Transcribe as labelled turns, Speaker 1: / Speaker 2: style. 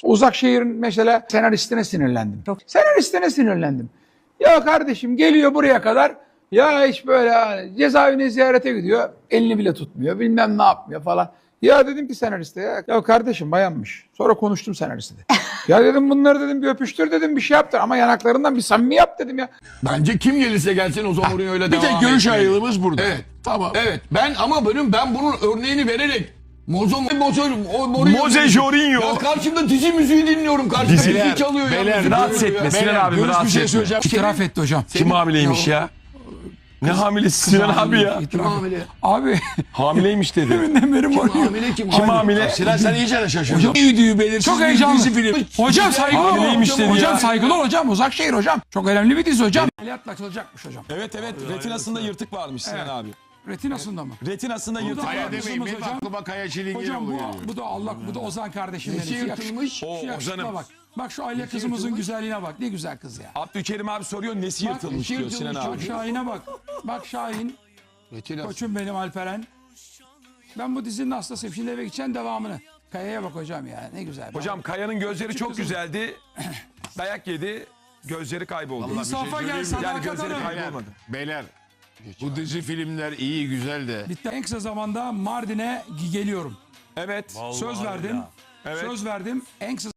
Speaker 1: Uzakşehir'in mesela senaristine sinirlendim. Senaristine sinirlendim. Ya kardeşim geliyor buraya kadar. Ya hiç böyle cezaevine ziyarete gidiyor. Elini bile tutmuyor. Bilmem ne yapmıyor falan. Ya dedim ki senariste ya kardeşim bayanmış. Sonra konuştum senariste de. Ya dedim bunları dedim bir öpüştür dedim bir şey yaptır ama yanaklarından bir samimi yap dedim ya.
Speaker 2: Bence kim gelirse gelsin o zaman Mourinho öyle
Speaker 3: Bir
Speaker 2: devam
Speaker 3: tek görüş
Speaker 2: etmeli.
Speaker 3: ayrılığımız burada.
Speaker 2: Evet.
Speaker 3: Tamam.
Speaker 2: Evet. Ben bunun örneğini vererek
Speaker 4: Moze Jorginho.
Speaker 2: Ya karşımda dizi müziği dinliyorum. Karşımda dizi çalıyor ya.
Speaker 4: Beyler,
Speaker 2: müzik
Speaker 4: rahatsız
Speaker 2: çalıyor ya.
Speaker 4: etme. Sinan abi
Speaker 3: Görüş bir
Speaker 4: rahatsız
Speaker 3: şey
Speaker 4: etme.
Speaker 3: söyleyeceğim.
Speaker 1: İtiraf etti hocam.
Speaker 4: Kim hamileymiş ya? Ne hamilesi Sinan abi ya?
Speaker 1: İtiraf
Speaker 2: hamile?
Speaker 1: etti. Abi
Speaker 4: Hamileymiş dedi.
Speaker 1: deminden beri var.
Speaker 2: Hamile kim?
Speaker 4: Kim hamile?
Speaker 3: Sinan sen iyice de şaşırdın.
Speaker 2: Hocam iyi belirsiz
Speaker 1: Çok
Speaker 2: bir
Speaker 1: heyecanlı.
Speaker 2: dizi film.
Speaker 1: Hocam saygılı ol.
Speaker 4: Hamileymiş dedi
Speaker 1: Hocam
Speaker 4: ya.
Speaker 1: saygılı ol hocam. Uzakşehir hocam. Çok önemli bir dizi hocam. Ameliyatla açılacakmış hocam.
Speaker 4: Evet retinasında yırtık varmış Sinan abi.
Speaker 1: Retinasında mı?
Speaker 4: Retinasında yırtık
Speaker 3: Kaya
Speaker 4: varmış.
Speaker 3: demeyin. Benim
Speaker 1: Hocam.
Speaker 3: aklıma Kaya Çilingir
Speaker 1: Hocam
Speaker 3: oluyor.
Speaker 1: bu da Allah bu da Ozan kardeşim
Speaker 2: Nesi
Speaker 1: benim.
Speaker 2: yırtılmış?
Speaker 1: Şu yakışıkla
Speaker 4: Ozan'ım.
Speaker 1: bak. Bak şu aile kızımızın güzelliğine bak. Ne güzel kız ya.
Speaker 4: Abdülkerim abi soruyor nesi yırtılmış diyor Sinan abi.
Speaker 1: Bak Şahin'e bak. Bak Şahin. Koçum benim Alperen. Ben bu dizinin hastasıyım. Şimdi eve gideceğim devamını. Kaya'ya bak hocam ya. Ne güzel.
Speaker 4: Hocam Kaya'nın gözleri çok güzeldi. Dayak yedi. Gözleri kayboldu.
Speaker 1: İnsafa gel
Speaker 4: Yani
Speaker 1: sadakat
Speaker 4: gözleri
Speaker 1: hanım.
Speaker 4: kaybolmadı.
Speaker 3: Beyler bu dizi filmler iyi güzel de.
Speaker 1: Bitti. En kısa zamanda Mardin'e geliyorum.
Speaker 4: Evet.
Speaker 1: Söz verdim.
Speaker 4: Evet.
Speaker 1: Söz verdim. En kısa